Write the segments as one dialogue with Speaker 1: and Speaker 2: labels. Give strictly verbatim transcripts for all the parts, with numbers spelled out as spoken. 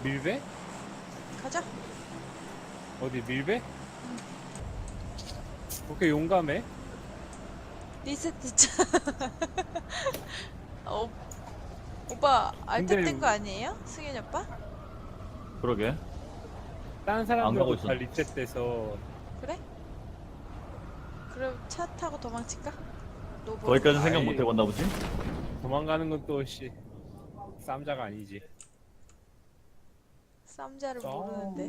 Speaker 1: 밀배?
Speaker 2: 가자.
Speaker 1: 어디 밀배? 그렇게 용감해?
Speaker 2: 리세트 차. 어, 오빠 알트
Speaker 1: 근데-
Speaker 2: 뗀 거 아니에요? 승현이 오빠?
Speaker 3: 그러게.
Speaker 1: 다른
Speaker 3: 안 가고
Speaker 1: 사람들도
Speaker 3: 있어.
Speaker 1: 다 리셋돼서
Speaker 2: 그래? 그럼 차 타고 도망칠까? 노보.
Speaker 3: 거기까지 생각
Speaker 1: 아이.
Speaker 3: 못 해봤나 보지?
Speaker 1: 도망가는 건 또 씨 쌈자가 아니지.
Speaker 2: 쌈자를 모르는데.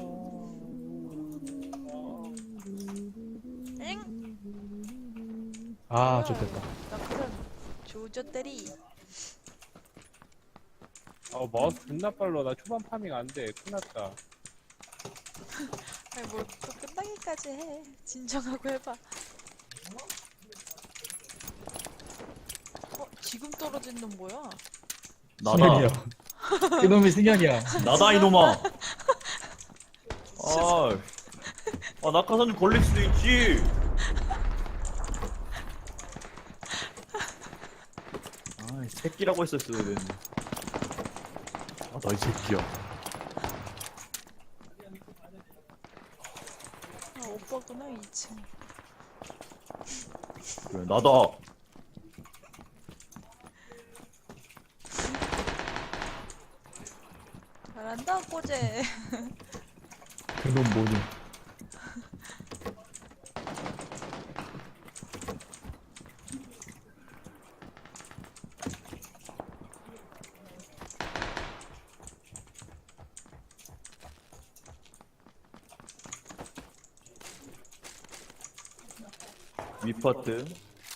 Speaker 2: 엥?
Speaker 4: 아,
Speaker 2: 뭐야,
Speaker 4: 좋겠다.
Speaker 2: 나 그럼 조졌대리.
Speaker 1: 어 마우스 존나 빨라. 나 초반 파밍 안 돼. 끝났다.
Speaker 2: 아니 뭘 또 끝나기까지 해. 진정하고 해봐. 어 지금 떨어진 놈 뭐야?
Speaker 3: 나다.
Speaker 4: 승현이야. 그놈이 승현이야.
Speaker 3: 나다 이놈아. 아, 아 낙하산 걸릴 수도 있지. 아, 이 새끼라고 했었어야 되는데.
Speaker 4: 아, 너 이 새끼야.
Speaker 2: 아 오빠구나 이 층.
Speaker 3: 그래, 나다.
Speaker 2: 잘한다 꼬제.
Speaker 4: 그놈 뭐니?
Speaker 3: 위파트.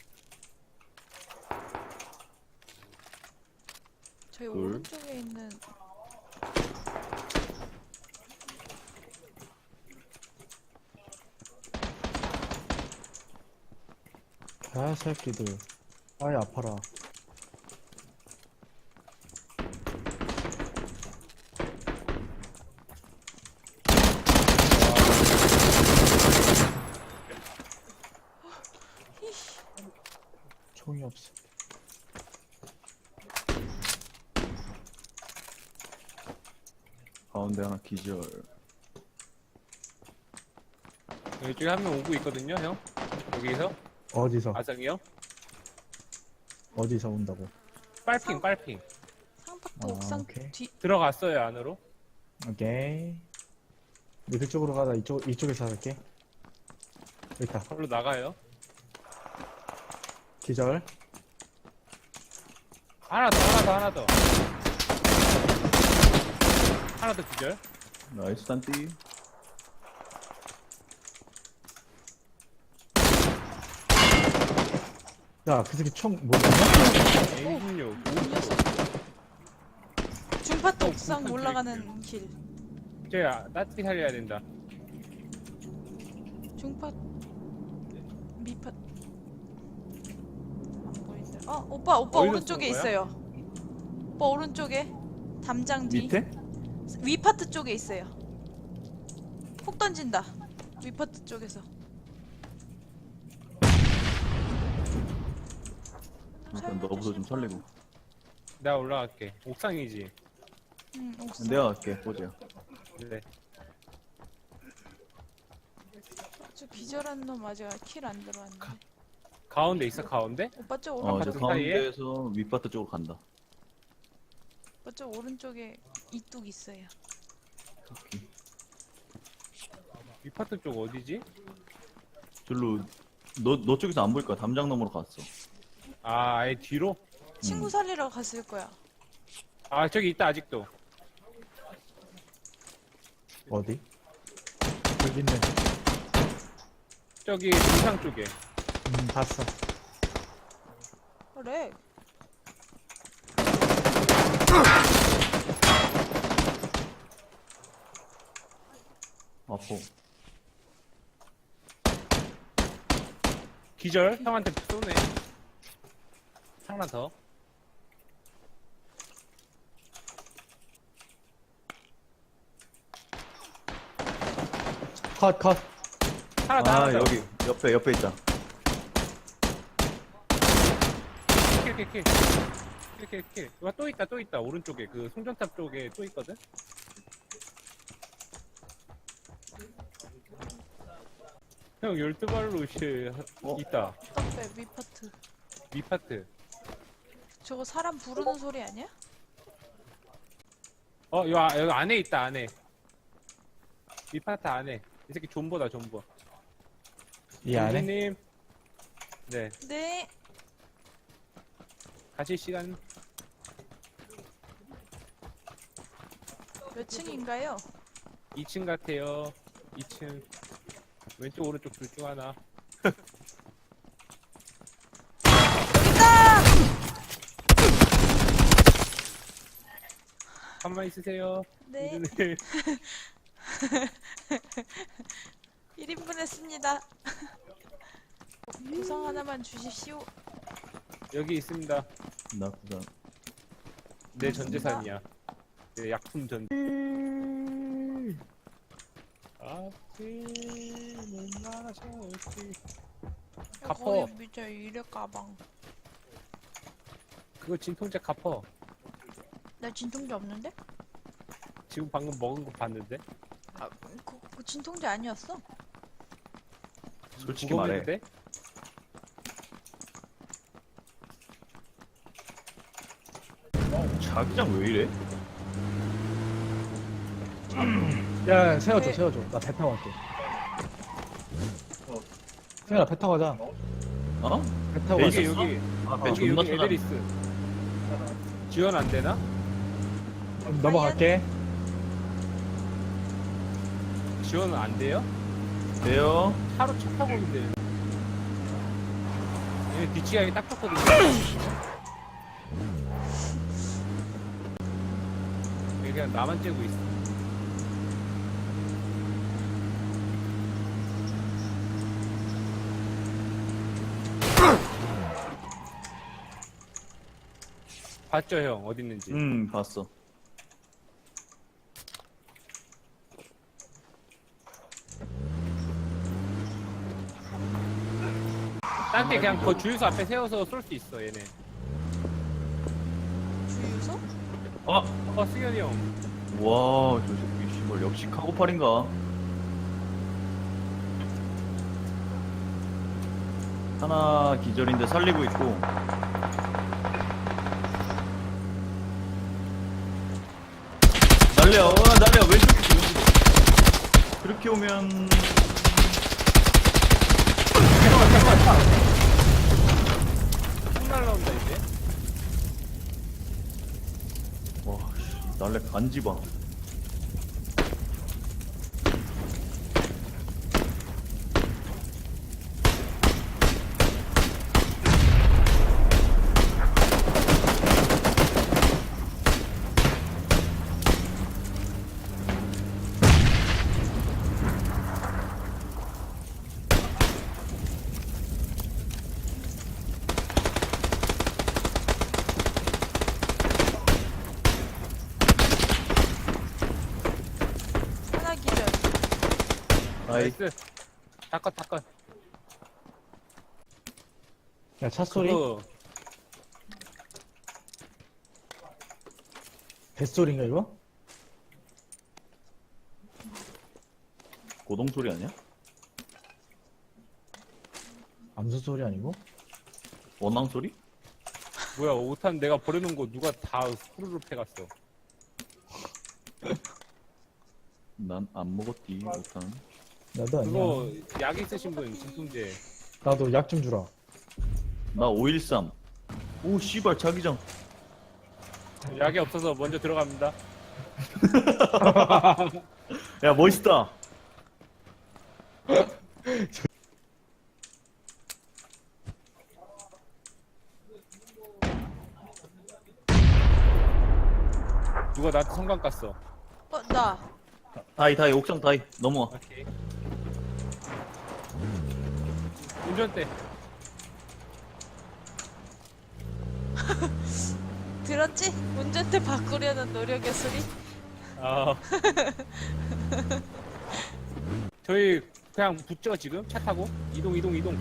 Speaker 2: 저희
Speaker 3: 둘.
Speaker 2: 오른쪽에 있는
Speaker 4: 아, 새끼들. 아이, 아파라. 총이 없어.
Speaker 3: 가운데 하나 기절.
Speaker 1: 이쪽에 한 명 오고 있거든요, 형. 여기서
Speaker 4: 어디서?
Speaker 1: 아성이 형.
Speaker 4: 어디서 온다고?
Speaker 1: 빨핑, 빨핑.
Speaker 2: 상박도
Speaker 4: 아,
Speaker 2: 옥상
Speaker 4: 오케이.
Speaker 2: 뒤.
Speaker 1: 들어갔어요 안으로.
Speaker 4: 오케이. 너 그쪽으로 가다 이쪽, 이쪽에서 할게. 여기 있다.
Speaker 1: 걸로 나가요.
Speaker 4: 기절.
Speaker 1: 하나 더, 하나 더, 하나 더. 하나 더 기절.
Speaker 3: 나이스 단띠.
Speaker 4: 야, 그 새끼 총, 뭐, 있냐?
Speaker 1: 에이 십육.
Speaker 2: 이 녀석. 중파도
Speaker 1: 어,
Speaker 2: 옥상
Speaker 1: 중파
Speaker 2: 올라가는 길.
Speaker 1: 쟤야 따뜻히 살려야 된다.
Speaker 2: 중파 미파 안 보인다. 어 오빠 오빠
Speaker 1: 어디서
Speaker 2: 오른쪽에
Speaker 1: 쏘는 거야?
Speaker 2: 있어요. 오빠 오른쪽에 담장 뒤
Speaker 3: 밑에?
Speaker 2: 위파트 쪽에 있어요. 폭 던진다. 위파트 쪽에서.
Speaker 3: 일단 너부터 좀 살리고.
Speaker 1: 내가 올라갈게. 옥상이지.
Speaker 2: 응 옥상.
Speaker 3: 내가 갈게, 보자.
Speaker 1: 네.
Speaker 2: 저 기절한 놈 아직 킬 안 들어왔는데.
Speaker 1: 가운데 있어 가운데?
Speaker 2: 오빠 저
Speaker 3: 어,
Speaker 2: 오른쪽.
Speaker 3: 저
Speaker 1: 아파트 사이에?
Speaker 3: 가운데에서 위파트 쪽으로 간다.
Speaker 2: 오빠 저 오른쪽에 이뚝 있어요.
Speaker 3: 오케이.
Speaker 1: 위파트 쪽 어디지?
Speaker 3: 절로 너, 너 쪽에서 안 보일 거야. 담장 너머로 갔어.
Speaker 1: 아 아예 뒤로?
Speaker 2: 친구
Speaker 3: 음.
Speaker 2: 살리러 갔을 거야.
Speaker 1: 아 저기 있다 아직도.
Speaker 4: 어디? 여기 있네.
Speaker 1: 저기 중상 쪽에.
Speaker 4: 음, 봤어.
Speaker 2: 그래.
Speaker 3: 아포.
Speaker 1: 기절 형한테 쏘네. 하나 더.
Speaker 4: 컷, 컷.
Speaker 1: 하나 더
Speaker 3: 아,
Speaker 1: 하나 더.
Speaker 3: 여기 옆에 옆에 있다.
Speaker 1: 킬킬킬. 킬킬킬. 이거 또 있다 또 있다 오른쪽에 그 송전탑 쪽에 또 있거든. 형 열두 발로 씨
Speaker 3: 어?
Speaker 1: 있다.
Speaker 2: 떡배 위파트.
Speaker 1: 위파트.
Speaker 2: 저거 사람 부르는 소리 아니야?
Speaker 1: 어 여기, 아- 여기 안에 있다 안에. 위파트 안에. 이 새끼 존버다 존버.
Speaker 4: 이 안에?
Speaker 1: 님 네.
Speaker 2: 네.
Speaker 1: 가실 시간.
Speaker 2: 몇 층인가요?
Speaker 1: 이 층 같아요. 이 층. 왼쪽 오른쪽 둘 중 하나.
Speaker 2: 여기다!
Speaker 1: 가만히 있으세요.
Speaker 2: 네.
Speaker 1: 네.
Speaker 2: 일 인분 했습니다. 구성 하나만 주십시오.
Speaker 1: 여기 있습니다.
Speaker 3: 나 구상.
Speaker 1: 내 전재산이야. 내 약품 전. 아침은 마셔지. 갚어.
Speaker 2: 거의 미쳐 이래 가방.
Speaker 1: 그거 진통제 갚어.
Speaker 2: 나 진통제 없는데?
Speaker 1: 지금 방금 먹은 거 봤는데.
Speaker 2: 아, 그, 그 진통제 아니었어?
Speaker 3: 솔직히 말해.
Speaker 1: 무거운데?
Speaker 3: 자기장 왜 이래?
Speaker 4: 야, 세워줘,
Speaker 2: 네.
Speaker 4: 세워줘. 나 배 타고 갈게. 세현아, 배 타고 가자.
Speaker 3: 어?
Speaker 4: 배 타고
Speaker 1: 여기
Speaker 4: 가자.
Speaker 1: 여기
Speaker 3: 아, 배
Speaker 1: 여기
Speaker 3: 존나
Speaker 1: 여기
Speaker 3: 타다.
Speaker 1: 에베리스. 지원 안 되나?
Speaker 4: 넘어갈게.
Speaker 1: 지원은 안 돼요?
Speaker 3: 돼요?
Speaker 1: 차로 차 타고 있는데. 얘 뒤치기하기 딱 좋거든요. 얘 그냥 나만 째고 있어. 봤죠 형 어디 있는지.
Speaker 3: 응, 봤어.
Speaker 1: 딴 데 그냥 그 주유소 앞에 세워서 쏠 수 있어 얘네.
Speaker 2: 주유소?
Speaker 3: 아!
Speaker 1: 어 승현이 형.
Speaker 3: 와, 저 새끼, 씨발, 역시 카고팔인가? 하나 기절인데 살리고 있고. 날려, 어, 날려, 왼쪽에 있어, 왼쪽에. 그렇게 오면.
Speaker 1: 총 날라온다 이제.
Speaker 3: 와, 씨, 날래 간지 봐.
Speaker 2: 하나 기절.
Speaker 3: 아이,
Speaker 1: 나이스. 다컷 다컷.
Speaker 4: 야, 차 소리?
Speaker 1: 그거
Speaker 4: 뱃소리인가, 이거?
Speaker 3: 고동 소리 아니야?
Speaker 4: 암수 소리 아니고?
Speaker 3: 원앙 소리?
Speaker 1: 뭐야 오탄 내가 버려놓은 거 누가 다 후루룩 해갔어.
Speaker 3: 난 안 먹었디, 못한.
Speaker 4: 나도 아니야.
Speaker 1: 그거 약 있으신 분 진통제.
Speaker 4: 나도 약 좀 주라.
Speaker 3: 나 오일삼. 오, 씨발, 자기장.
Speaker 1: 약이 없어서 먼저 들어갑니다.
Speaker 3: 야, 멋있다.
Speaker 1: 누가 나한테 성광 깠어.
Speaker 2: 어, 나.
Speaker 3: 다이, 다이, 옥상 다이. 넘어와.
Speaker 1: 오케이. 운전대.
Speaker 2: 들었지? 운전대 바꾸려는 노력의 소리?
Speaker 1: 아. 저희 그냥 붙죠 지금 차 타고 이동 이동 이동.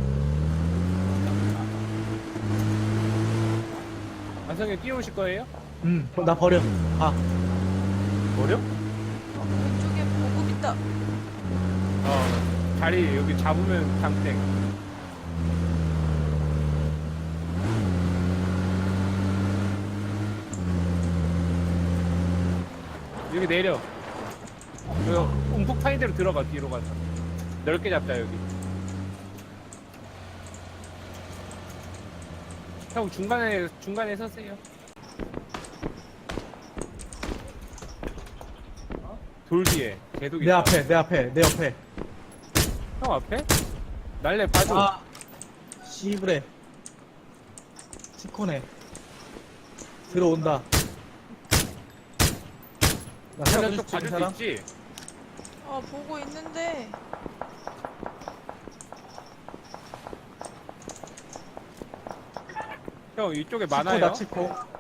Speaker 1: 안성에 뛰어오실 거예요?
Speaker 4: 응, 나 버려. 아,
Speaker 1: 버려?
Speaker 2: 왼쪽에 보급 있다.
Speaker 1: 어 자리 여기 잡으면 담땡. 여기 내려. 여기 움푹 파인 대로 들어가. 뒤로 가서 넓게 잡자 여기. 형 중간에 중간에 서세요. 돌 뒤에 계속
Speaker 4: 내
Speaker 1: 있다.
Speaker 4: 앞에, 내 앞에, 내 옆에.
Speaker 1: 형 앞에? 날래 봐줘.
Speaker 4: 아, 씨브레. 치코네. 들어온다. 나
Speaker 1: 형
Speaker 4: 살려줄
Speaker 1: 쪽
Speaker 4: 수 있는
Speaker 1: 봐줄 수
Speaker 4: 사람?
Speaker 1: 있지?
Speaker 2: 어, 보고 있는데.
Speaker 1: 형 이쪽에 많아요.
Speaker 4: 치코다, 치코.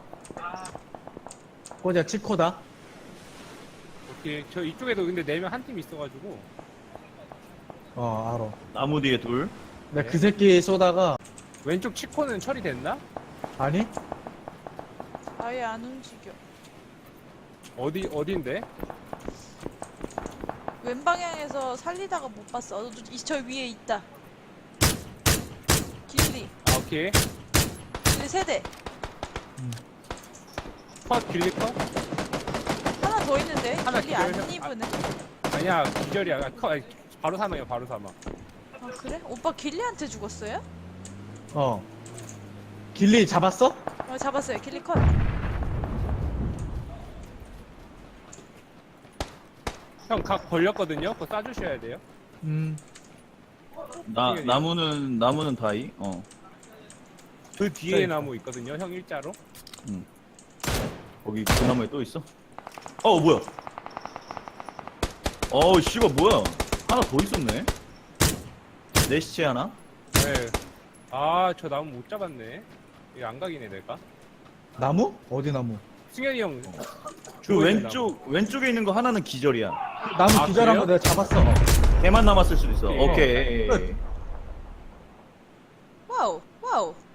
Speaker 4: 꼬자, 치코다.
Speaker 1: 오케이. 저 이쪽에도 근데 네 명 한 팀 있어가지고.
Speaker 4: 어, 알아.
Speaker 3: 나무 뒤에 둘.
Speaker 4: 내가 그 새끼 쏘다가,
Speaker 1: 왼쪽 치코는 처리됐나?
Speaker 4: 아니?
Speaker 2: 아예 안 움직여.
Speaker 1: 어디 어딘데?
Speaker 2: 왼 방향에서 살리다가 못 봤어. 어, 이- 저 위에 있다. 길리.
Speaker 1: 아, 오케이.
Speaker 2: 길리 세대.
Speaker 1: 컷 길리 컷?
Speaker 2: 하나 더 있는데.
Speaker 1: 하나
Speaker 2: 길리 안
Speaker 1: 기절해서-
Speaker 2: 입으네.
Speaker 1: 아니야 기절이야. 아, 컷 아니, 바로 사망이야 바로 사망.
Speaker 2: 아, 그래? 오빠 길리한테 죽었어요?
Speaker 4: 어. 길리 잡았어?
Speaker 2: 어, 잡았어요. 길리 컷.
Speaker 1: 형 각 걸렸거든요. 그거 쏴주셔야 돼요.
Speaker 4: 음.
Speaker 3: 나 나무는 나무는 다이. 어.
Speaker 1: 그 뒤에
Speaker 4: 그러니까.
Speaker 1: 나무 있거든요. 형 일자로.
Speaker 3: 거기 그 나무에 또 있어? 어 뭐야? 어우 씨발 뭐야? 하나 더 있었네. 내 시체 하나?
Speaker 1: 네. 아 저 나무 못 잡았네. 이거 안 각이네 내가.
Speaker 4: 나무? 어디 나무?
Speaker 1: 승현이 형.
Speaker 3: 그
Speaker 1: 죽어있는
Speaker 3: 왼쪽 왼쪽에 있는 거 하나는 기절이야.
Speaker 4: 나무
Speaker 1: 아,
Speaker 4: 기절한
Speaker 1: 그래요?
Speaker 4: 거 내가 잡았어.
Speaker 3: 걔만 남았을 수도 있어.
Speaker 1: 오케이.
Speaker 3: 오케이.
Speaker 4: 끝.
Speaker 2: 와우, 와우.